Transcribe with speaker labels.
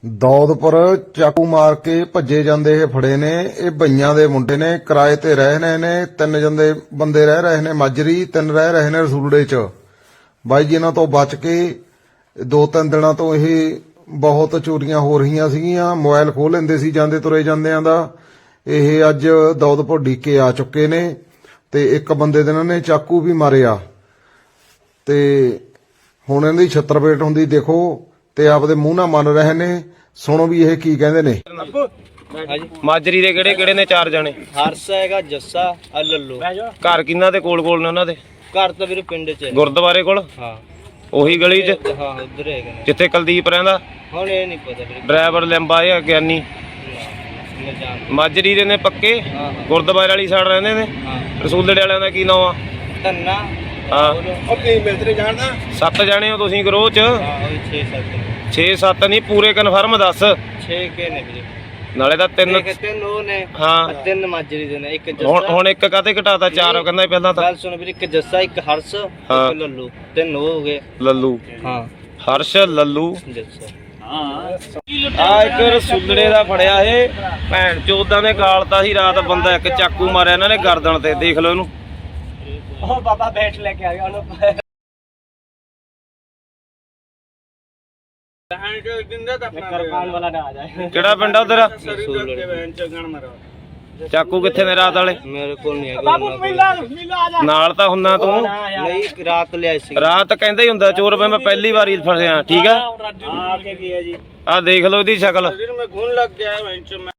Speaker 1: ਦੌਦਪੁਰ ਚਾਕੂ ਮਾਰ ਕੇ ਭੱਜੇ ਜਾਂਦੇ ਇਹ ਫੜੇ ਨੇ। ਇਹ ਬਈਆਂ ਦੇ ਮੁੰਡੇ ਨੇ, ਕਿਰਾਏ ਤੇ ਰਹਿ ਰਹੇ ਨੇ। ਤਿੰਨ ਬੰਦੇ ਰਹਿ ਰਹੇ ਨੇ ਮਾਜਰੀ, ਤਿੰਨ ਰਹਿ ਰਹੇ ਨੇ ਰਸੂਲੜੇ ਚ। ਬਾਈ ਜੀ ਇਹਨਾਂ ਤੋਂ ਬਚ ਕੇ 2-3 ਦਿਨਾਂ ਤੋਂ ਇਹ ਬਹੁਤ ਚੋਰੀਆਂ ਹੋ ਰਹੀਆਂ ਸੀਗੀਆਂ। ਮੋਬਾਈਲ ਖੋਹ ਲੈਂਦੇ ਸੀ ਜਾਂਦੇ ਤੁਰੇ ਜਾਂਦਿਆਂ ਦਾ। ਇਹ ਅੱਜ ਦੌਦਪੁਰ ਡੀਕੇ ਆ ਚੁੱਕੇ ਨੇ ਤੇ ਇੱਕ ਬੰਦੇ ਦੇ ਇਹਨਾਂ ਨੇ ਚਾਕੂ ਵੀ ਮਾਰਿਆ ਤੇ ਹੁਣ ਇਹਨਾਂ ਦੀ ਛੱਤਰਪੇਟ ਹੁੰਦੀ ਦੇਖੋ ਤੇ ਆਪਦੇ ਮੂੰਹ ਨਾਲ ਮੰਨ ਰਹੇ ਨੇ। ਸੁਣੋ ਵੀ ਇਹ ਕੀ ਕਹਿੰਦੇ ਨੇ।
Speaker 2: ਮਾਜਰੀ ਦੇ ਕਿਹੜੇ ਕਿਹੜੇ ਨੇ? 4 ਜਣੇ।
Speaker 3: ਹਰਸ ਹੈਗਾ, ਜੱਸਾ ਆ ਲੱਲੂ।
Speaker 2: ਘਰ ਕਿੰਨਾ ਦੇ ਕੋਲ ਨੇ ਉਹਨਾਂ ਦੇ?
Speaker 3: ਘਰ ਤਾਂ ਵੀਰੇ ਪਿੰਡ ਚ ਹੈ।
Speaker 2: ਗੁਰਦੁਆਰੇ ਕੋਲ?
Speaker 3: ਹਾਂ
Speaker 2: ਉਹੀ ਗਲੀ 'ਚ
Speaker 3: ਹਾਂ ਉਧਰ ਹੈਗੇ ਨੇ।
Speaker 2: ਜਿੱਥੇ ਕੁਲਦੀਪ ਰਹਿੰਦਾ?
Speaker 3: ਹੁਣ ਇਹ ਨਹੀਂ ਪਤਾ ਵੀਰੇ।
Speaker 2: ਡਰਾਈਵਰ ਲਿੰਬਾ ਜਾਂ ਗਿਆਨੀ? ਮਾਜਰੀ ਦੇ ਨੇ ਪੱਕੇ। ਗੁਰਦੁਆਰੇ ਵਾਲੀ ਸਾਈਡ ਰਹਿੰਦੇ ਨੇ। ਰਸੂਲੜੇ ਵਾਲਿਆਂ ਦਾ ਕੀ ਨਾਮ ਆ?
Speaker 3: ਧੰਨਾ।
Speaker 2: ਹਾਂ
Speaker 3: ਉਹ ਕੀ ਮਿਲਦੇ ਜਾਣਦਾ?
Speaker 2: 7 ਜਣੇ ਹੋ ਤੁਸੀਂ ਗਰੋਹ 'ਚ?
Speaker 3: ਹਾਂ 6-7
Speaker 2: 6-7 ਨਹੀਂ ਪੂਰੇ ਕਨਫਰਮ ਦੱਸ।
Speaker 3: 6 ਕੇ ਨੇ ਵੀਰੇ।
Speaker 2: ਨਾਲੇ ਤਾਂ 3
Speaker 3: ਤਿੰਨ ਉਹ ਨੇ।
Speaker 2: ਹਾਂ
Speaker 3: 3 ਮਾਜਰੀ ਦੇ ਨੇ। ਇੱਕ ਜੱਸਾ।
Speaker 2: ਹੁਣ ਇੱਕ ਕਾਤੇ ਘਟਾਤਾ? 4 ਕਹਿੰਦਾ ਪਹਿਲਾਂ ਤਾਂ।
Speaker 3: ਗੱਲ ਸੁਣ ਵੀਰੇ, ਇੱਕ ਜੱਸਾ, ਇੱਕ ਹਰਸ, ਇੱਕ ਲੱਲੂ। 3 ਉਹ ਹੋ ਗਏ।
Speaker 2: ਲੱਲੂ।
Speaker 3: ਹਾਂ
Speaker 2: ਹਰਸ਼, ਲੱਲੂ,
Speaker 3: ਜੱਸਾ।
Speaker 2: ਆ ਇੱਕ ਰਸੂਲੜੇ ਦਾ ਫੜਿਆ ਇਹ। ਭੈਣ ਚੋਦਾਂ ਨੇ ਗਾਲਤਾ ਸੀ ਰਾਤ। ਬੰਦਾ ਇੱਕ ਚਾਕੂ ਮਾਰਿਆ ਇਹਨਾਂ ਨੇ ਗਰਦਨ ਤੇ। ਦੇਖ ਲਓ ਇਹਨੂੰ।
Speaker 3: ਉਹ ਬਾਬਾ ਬੈਠ ਲੈ ਕੇ ਆ ਗਿਆ ਉਹਨੂੰ।
Speaker 2: ਕਿਹੜਾ ਪਿੰਡ ਆ ਉਧਰ? ਚਾਕੂ ਕਿੱਥੇ ਨੇ ਰਾਤ ਵਾਲੇ?
Speaker 3: ਮੇਰੇ ਕੋਲ ਨਹੀਂ ਹੈਗਾ।
Speaker 2: ਨਾਲ ਤਾਂ ਹੁੰਦਾ ਤੂੰ।
Speaker 3: ਨਹੀਂ ਰਾਤ ਲਿਆਈ ਸੀ।
Speaker 2: ਰਾਤ ਕਹਿੰਦਾ ਹੀ ਹੁੰਦਾ ਚੋਰ। ਮੈਂ ਪਹਿਲੀ ਵਾਰੀ ਫਸਿਆ। ਠੀਕ ਆ
Speaker 3: ਆ ਕੇ ਗਿਆ ਜੀ।
Speaker 2: ਆ ਦੇਖ ਲਓ ਇਹਦੀ ਸ਼ਕਲ।
Speaker 3: ਮੈਂ ਘੁੰਨ ਲੱਗ ਗਿਆ।